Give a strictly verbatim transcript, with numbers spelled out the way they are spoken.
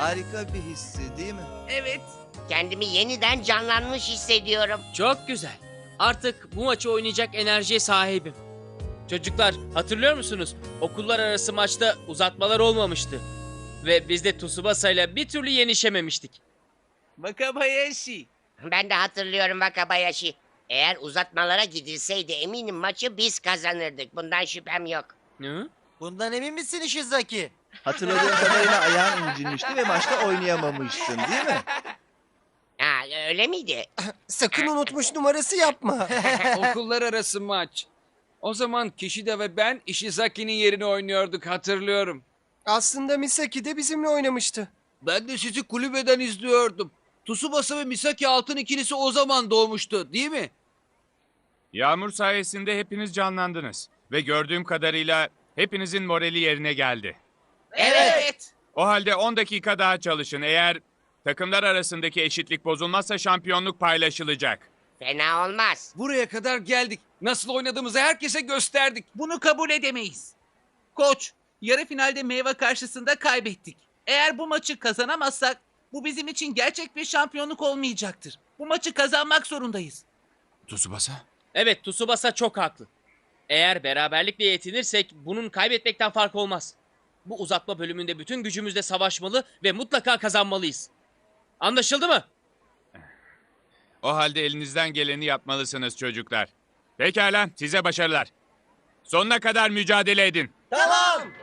Harika bir hissi değil mi? Evet. Kendimi yeniden canlanmış hissediyorum. Çok güzel. Artık bu maçı oynayacak enerjiye sahibim. Çocuklar, hatırlıyor musunuz? Okullar arası maçta uzatmalar olmamıştı. Ve biz de Tsubasa'yla bir türlü yenişememiştik. Wakabayashi. Ben de hatırlıyorum Wakabayashi. Eğer uzatmalara gidilseydi eminim maçı biz kazanırdık. Bundan şüphem yok. Hı? Bundan emin misin Ishizaki? Hatırladığım kadarıyla ayağın incinmişti ve maçta oynayamamıştın değil mi? Ha, öyle miydi? Sakın unutmuş numarası yapma. Okullar arası maç. O zaman Kishida ve ben Ishizaki'nin yerini oynuyorduk, hatırlıyorum. Aslında Misaki de bizimle oynamıştı. Ben de sizi kulübeden izliyordum. Tsubasa ve Misaki altın ikilisi o zaman doğmuştu, değil mi? Yağmur sayesinde hepiniz canlandınız. Ve gördüğüm kadarıyla hepinizin morali yerine geldi. Evet. O halde on dakika daha çalışın. Eğer takımlar arasındaki eşitlik bozulmazsa şampiyonluk paylaşılacak. Fena olmaz. Buraya kadar geldik. Nasıl oynadığımızı herkese gösterdik. Bunu kabul edemeyiz. Koç, yarı finalde Meyve karşısında kaybettik. Eğer bu maçı kazanamazsak bu bizim için gerçek bir şampiyonluk olmayacaktır. Bu maçı kazanmak zorundayız. Tsubasa? Evet, Tsubasa çok haklı. Eğer beraberlikle yetinirsek bunun kaybetmekten fark olmaz. Bu uzatma bölümünde bütün gücümüzle savaşmalı ve mutlaka kazanmalıyız. Anlaşıldı mı? O halde elinizden geleni yapmalısınız çocuklar. Pekala, size başarılar. Sonuna kadar mücadele edin. Tamam.